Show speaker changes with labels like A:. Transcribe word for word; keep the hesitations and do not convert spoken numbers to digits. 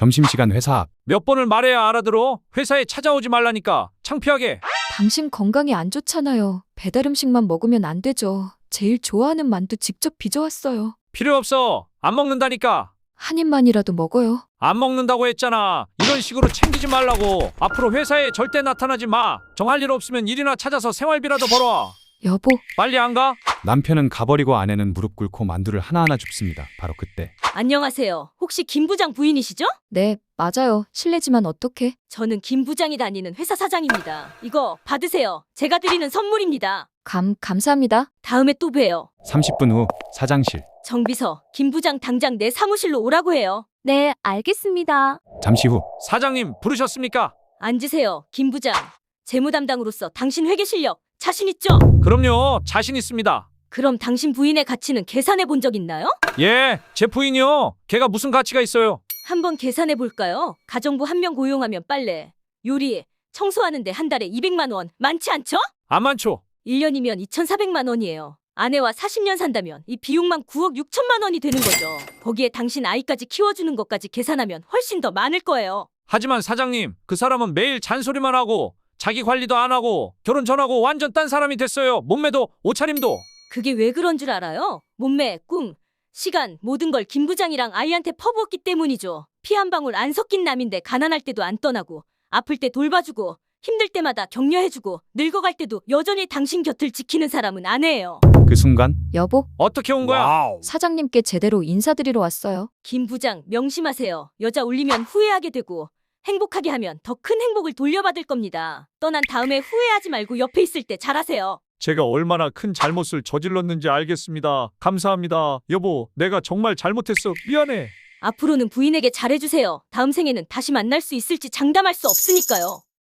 A: 점심시간 회사 앞.
B: 몇 번을 말해야 알아들어? 회사에 찾아오지 말라니까. 창피하게.
C: 당신 건강이 안 좋잖아요. 배달 음식만 먹으면 안 되죠. 제일 좋아하는 만두 직접 빚어왔어요.
B: 필요 없어. 안 먹는다니까.
C: 한 입만이라도 먹어요.
B: 안 먹는다고 했잖아. 이런 식으로 챙기지 말라고. 앞으로 회사에 절대 나타나지 마. 정할 일 없으면 일이나 찾아서 생활비라도 벌어.
C: 여보,
B: 빨리 안 가?
A: 남편은 가버리고 아내는 무릎 꿇고 만두를 하나하나 줍습니다. 바로 그때
D: 안녕하세요. 혹시 김 부장 부인이시죠?
C: 네, 맞아요. 실례지만 어떡해?
D: 저는 김 부장이 다니는 회사 사장입니다. 이거 받으세요. 제가 드리는 선물입니다.
C: 감, 감사합니다.
D: 다음에 또 봬요.
A: 삼십 분 후 사장실.
D: 정비서, 김 부장 당장 내 사무실로 오라고 해요.
C: 네, 알겠습니다.
A: 잠시 후
B: 사장님 부르셨습니까?
D: 앉으세요, 김 부장. 재무 담당으로서 당신 회계 실력 자신 있죠?
B: 그럼요. 자신 있습니다.
D: 그럼 당신 부인의 가치는 계산해 본 적 있나요?
B: 예, 제 부인이요. 걔가 무슨 가치가 있어요?
D: 한번 계산해 볼까요? 가정부 한 명 고용하면 빨래, 요리, 청소하는데 한 달에 이백만 원. 많지 않죠?
B: 안 많죠?
D: 일 년이면 이천사백만 원이에요. 아내와 사십 년 산다면 이 비용만 구억 육천만 원이 되는 거죠. 거기에 당신 아이까지 키워주는 것까지 계산하면 훨씬 더 많을 거예요.
B: 하지만 사장님, 그 사람은 매일 잔소리만 하고 자기 관리도 안 하고 결혼 전하고 완전 딴 사람이 됐어요. 몸매도 옷차림도.
D: 그게 왜 그런 줄 알아요? 몸매, 꿈, 시간 모든 걸 김 부장이랑 아이한테 퍼부었기 때문이죠. 피 한 방울 안 섞인 남인데 가난할 때도 안 떠나고 아플 때 돌봐주고 힘들 때마다 격려해주고 늙어갈 때도 여전히 당신 곁을 지키는 사람은 아내예요.
A: 그 순간
C: 여보,
B: 어떻게 온 거야?
C: 사장님께 제대로 인사드리러 왔어요.
D: 김 부장 명심하세요. 여자 울리면 후회하게 되고 행복하게 하면 더 큰 행복을 돌려받을 겁니다. 떠난 다음에 후회하지 말고 옆에 있을 때 잘하세요.
B: 제가 얼마나 큰 잘못을 저질렀는지 알겠습니다. 감사합니다. 여보, 내가 정말 잘못했어. 미안해.
D: 앞으로는 부인에게 잘해주세요. 다음 생에는 다시 만날 수 있을지 장담할 수 없으니까요.